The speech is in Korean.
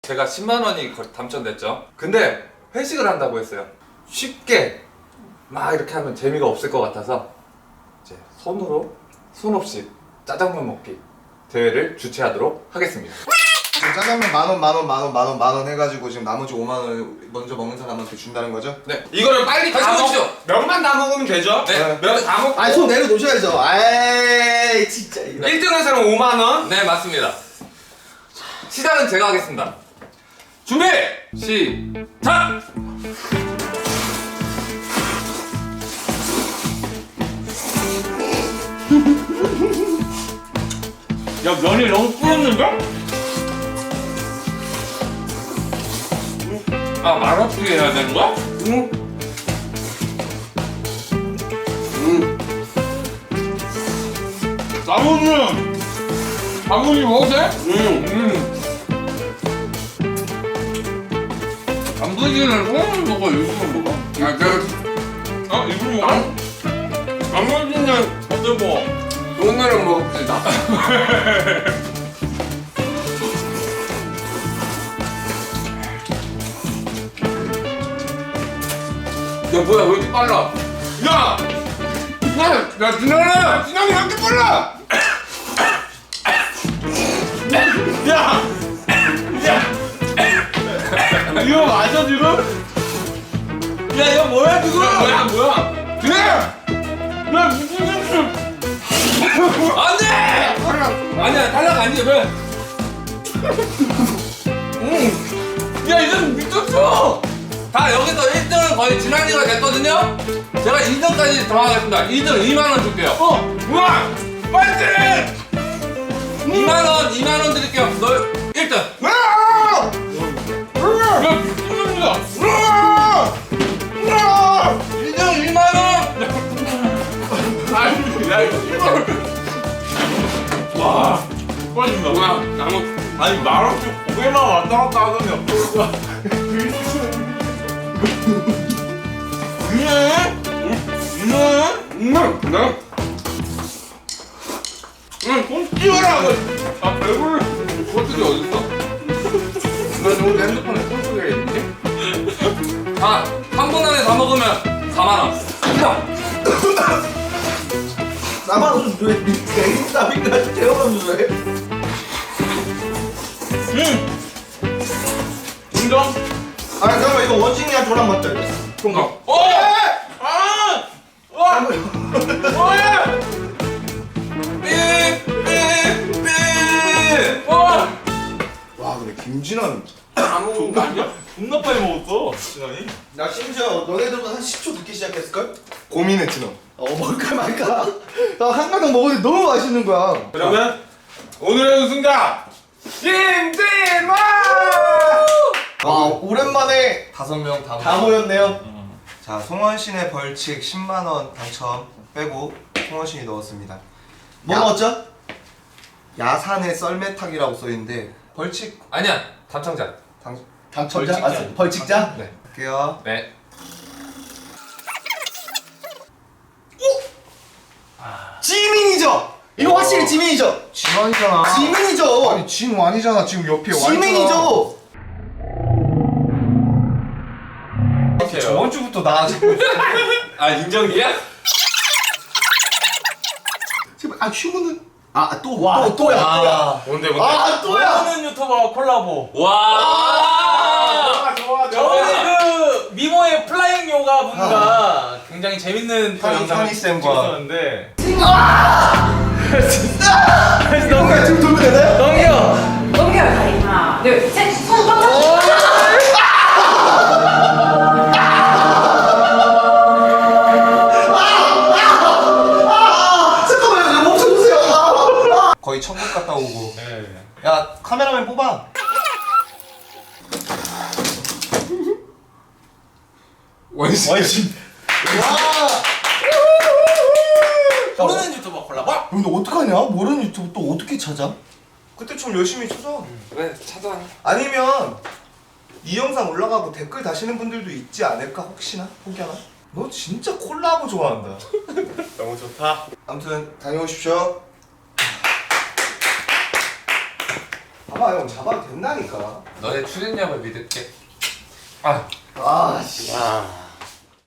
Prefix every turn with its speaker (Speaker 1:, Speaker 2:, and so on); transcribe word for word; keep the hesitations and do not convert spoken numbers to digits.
Speaker 1: 제가 십만 원이 당첨됐죠. 근데 회식을 한다고 했어요. 쉽게 막 이렇게 하면 재미가 없을 것 같아서 이제 손으로 손 없이 짜장면 먹기 대회를 주최하도록 하겠습니다.
Speaker 2: 지금 짜장면 만원 만원 만원 만원 만원 해가지고 지금 나머지 오만 원 먼저 먹는 사람한테 준다는 거죠?
Speaker 1: 네.
Speaker 3: 이거를 빨리
Speaker 1: 다시
Speaker 3: 다 먹...
Speaker 1: 보시죠.
Speaker 3: 면만 다 먹으면 되죠?
Speaker 1: 네.
Speaker 3: 면 다 먹고
Speaker 2: 아니 손 내려놓으셔야죠. 아이 진짜 이거.
Speaker 3: 일 등 한 사람 오만 원.
Speaker 1: 네, 맞습니다. 시작은 제가 하겠습니다.
Speaker 3: 준비!
Speaker 1: 시작!
Speaker 3: 야, 면이 너무 불었는데? 아, 말아프게 해야 되는 거야? 응. 응. 나무는 바구니 먹어도 돼? 응. 응. 단무지는 손으로 먹어, 일부러 먹어? 아, 내가 어? 일부러 먹어? 단무지는 어때 뭐? 손으로 먹읍시다. 야, 뭐야, 왜 이렇게 빨라? 야! 야, 야, 진영아! 진영이 왜 이렇게 빨라! 야! 야! 이거 맞아, 지금? 야, 이거 뭐야, 지금? 뭐야, 뭐야? 그래! 야, 무슨 짓을! 안 돼! 아니야, 탈락 아니야, 왜? 응. 야, 이건 미쳤어!
Speaker 1: 다 여기서 일 등은 거의 진환이가 됐거든요? 제가 이 등까지 더 하겠습니다. 이 등 이만 원 줄게요.
Speaker 3: 어! 우와! 빨리!
Speaker 1: 이만 원, 이만 원 드릴게요. 너 일 등.
Speaker 3: 야, 미친놈이다!
Speaker 1: 일 등 이만 원!
Speaker 3: 아니, 야, 이거 와, 빠진다. 뭐야, 나무. 아니, 말없이 고개만 왔다 갔다 하더니 없어. 응? 응? 응? 응? 응, 손 띄워라! 아, 배불러.
Speaker 1: 코트리 어딨어? 너 지금 핸드폰에 코트리가 있니? 자, 삼 분 안에 다 먹으면 사만 원.
Speaker 2: 나만 왜 냉땀이나 태워가면서 해?
Speaker 3: 응! 인정?
Speaker 2: 아 잠깐만 이거 원진이랑 저랑 맞다.
Speaker 3: 통과. 어! 아! 와! 와!
Speaker 1: 삐! 삐! 삐!
Speaker 3: 와!
Speaker 2: 와 근데 김진환
Speaker 3: 안 먹은 거 아니야? 존나 빨리 먹었어, 진환이.
Speaker 2: 나 심지어 너네들보다 한 십 초 늦게 시작했을걸? 고민했지 너. 어 먹을까 말까. 나 한 가닥 먹었는데 너무 맛있는 거야.
Speaker 3: 그러면 오늘의 우승자 김진환!
Speaker 2: 와 오랜만에
Speaker 1: 다섯 명 다
Speaker 2: 다 모였네요. 자 송원신의 벌칙 십만 원 당첨 빼고 송원신이 넣었습니다. 뭐
Speaker 1: 야.
Speaker 2: 넣었죠? 야산의 썰매타기라고 써있는데 벌칙
Speaker 1: 아니야, 당첨자.
Speaker 2: 당 당첨자?
Speaker 1: 벌칙자.
Speaker 2: 아, 벌칙자?
Speaker 1: 네.
Speaker 2: 할게요.
Speaker 1: 네.
Speaker 2: 지민이죠. 이거 확실히 지민이죠.
Speaker 4: 진환이잖아.
Speaker 2: 지민이죠.
Speaker 4: 아니 진환이잖아. 지금 옆에 와 있잖아.
Speaker 2: 지민이죠.
Speaker 4: 저번 주부터 나 자꾸
Speaker 3: 아, 인정이야?
Speaker 2: 제발 아 휴무는 아또또 또야 또야.
Speaker 3: 뭔데, 뭔데?
Speaker 2: 아 또야.
Speaker 5: 모르는 유튜버 콜라보.
Speaker 1: 와!
Speaker 3: 좋아,
Speaker 5: 저번에 그 미모의 플라잉 요가 분과 굉장히 재밌는 그
Speaker 2: 현이-
Speaker 5: 영상을
Speaker 2: 현이 쌤과.
Speaker 5: 찍었었는데.
Speaker 2: 이거 지금 돌면 되나요?
Speaker 5: 넘겨.
Speaker 6: 넘겨요 다리 하나 둘셋손 꽉 잡고
Speaker 2: 잠깐만요. 나 멈춰주세요. 아, 아. 거의 천국 갔다 오고. 야 카메라맨 뽑아.
Speaker 1: 원신.
Speaker 2: 원신. 와.
Speaker 5: 모르는 유튜버 콜라보.
Speaker 2: 근데 어떡하냐? 모르는 유튜브 또 어떻게 찾아? 그때 좀 열심히 찾아.
Speaker 1: 왜 찾아?
Speaker 2: 아니면 이 영상 올라가고 댓글 다시는 분들도 있지 않을까 혹시나? 혹여나? 너 진짜 콜라보 좋아한다.
Speaker 3: 너무 좋다.
Speaker 2: 아무튼 다녀오십시오. 봐봐 형 잡아도 된다니까.
Speaker 1: 너의 추진력을 믿을게. 아,
Speaker 2: 아 씨.
Speaker 5: 야.